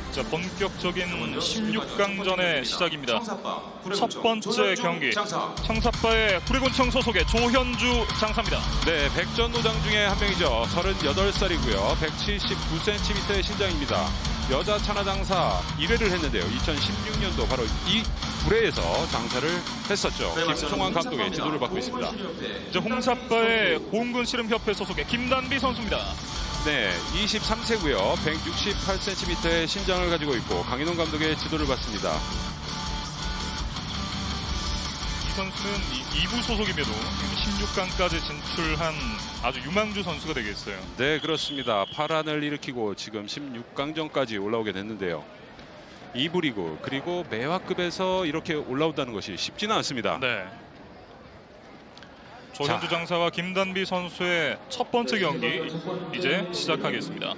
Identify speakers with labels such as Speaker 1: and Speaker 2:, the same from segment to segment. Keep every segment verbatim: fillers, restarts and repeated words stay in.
Speaker 1: 자, 본격적인 십육 강전의 시작입니다. 첫 번째 경기 청사파의 구리군청 소속의 조현주 장사입니다.
Speaker 2: 네, 백전노장 중에 한 명이죠. 서른여덟 살이고요. 백칠십구 센티미터의 신장입니다. 여자 천하장사 일 회를 했는데요. 이천십육 년도 바로 이 구례에서 장사를 했었죠. 김총환 감독의 지도를 받고 있습니다.
Speaker 1: 이제 홍사파의 공군씨름협회 소속의 김단비 선수입니다.
Speaker 2: 네, 이십삼 세고요. 백육십팔 센티미터의 신장을 가지고 있고 강인홍 감독의 지도를 받습니다.
Speaker 1: 이 선수는 이 부 소속임에도 십육 강까지 진출한 아주 유망주 선수가 되겠어요.
Speaker 2: 네, 그렇습니다. 파란을 일으키고 지금 십육 강전까지 올라오게 됐는데요. 이 부 리그 그리고 매화급에서 이렇게 올라온다는 것이 쉽지는 않습니다.
Speaker 1: 네. 조현주 장사와 김단비 선수의 첫 번째 경기 이제 시작하겠습니다.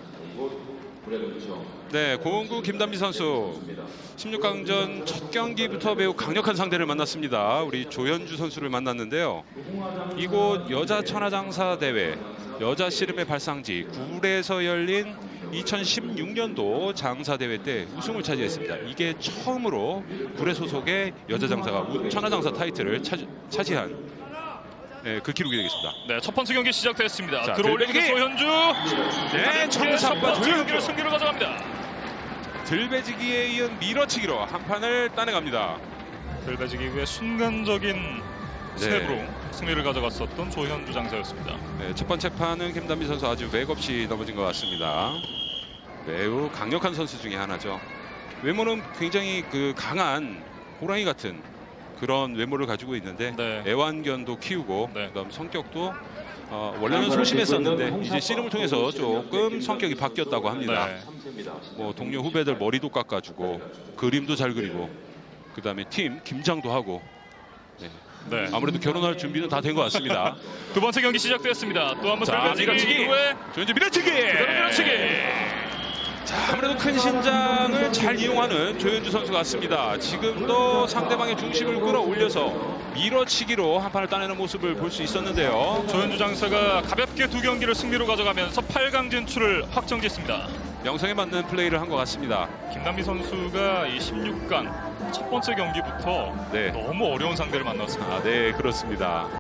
Speaker 2: 네, 고은구 김단비 선수 십육 강전 첫 경기부터 매우 강력한 상대를 만났습니다. 우리 조현주 선수를 만났는데요. 이곳 여자 천하장사 대회 여자 씨름의 발상지 구례에서 열린 이천십육 년도 장사대회 때 우승을 차지했습니다. 이게 처음으로 구례 소속의 여자 장사가 천하장사 타이틀을 차지, 차지한 네, 그 기록이 되겠습니다.
Speaker 1: 네, 첫 번째 경기 시작됐습니다.
Speaker 2: 자,
Speaker 1: 들어올리는
Speaker 2: 들배지기!
Speaker 1: 조현주.
Speaker 2: 네,
Speaker 1: 첫 번째
Speaker 2: 조현주.
Speaker 1: 경기를 승리로 가져갑니다.
Speaker 2: 들배지기에 이은 밀어치기로 한 판을 따내갑니다.
Speaker 1: 들배지기 후에 순간적인
Speaker 2: 네.
Speaker 1: 스텝으로 승리를 가져갔었던 조현주 장사였습니다.
Speaker 2: 네, 첫 번째 판은 김단비 선수 아주 맥없이 넘어진 것 같습니다. 매우 강력한 선수 중에 하나죠. 외모는 굉장히 그 강한 호랑이 같은 그런 외모를 가지고 있는데
Speaker 1: 네.
Speaker 2: 애완견도 키우고
Speaker 1: 네.
Speaker 2: 그다음 성격도 어, 원래는 소심했었는데 이제 씨름을 통해서 조금 성격이 바뀌었다고 합니다.
Speaker 1: 네.
Speaker 2: 뭐 동료 후배들 머리도 깎아주고 그림도 잘 그리고 그다음에 팀 김장도 하고 네.
Speaker 1: 네.
Speaker 2: 아무래도 결혼할 준비는 다 된 것 같습니다.
Speaker 1: 두 번째 경기 시작됐습니다. 또 한번
Speaker 2: 자,
Speaker 1: 들배지기
Speaker 2: 밀어치기.
Speaker 1: 이후에
Speaker 2: 조현주 밀어치기.
Speaker 1: 그대로 밀어치기.
Speaker 2: 자, 아무래도 큰 신장을 잘 이용하는 조현주 선수 같습니다. 지금도 상대방의 중심을 끌어올려서 밀어치기로 한 판을 따내는 모습을 볼 수 있었는데요.
Speaker 1: 조현주 장사가 가볍게 두 경기를 승리로 가져가면서 팔 강 진출을 확정짓습니다.
Speaker 2: 영성에 맞는 플레이를 한 것 같습니다.
Speaker 1: 김단비 선수가 이 십육 강 첫 번째 경기부터
Speaker 2: 네.
Speaker 1: 너무 어려운 상대를 만났습니다.
Speaker 2: 아, 네, 그렇습니다.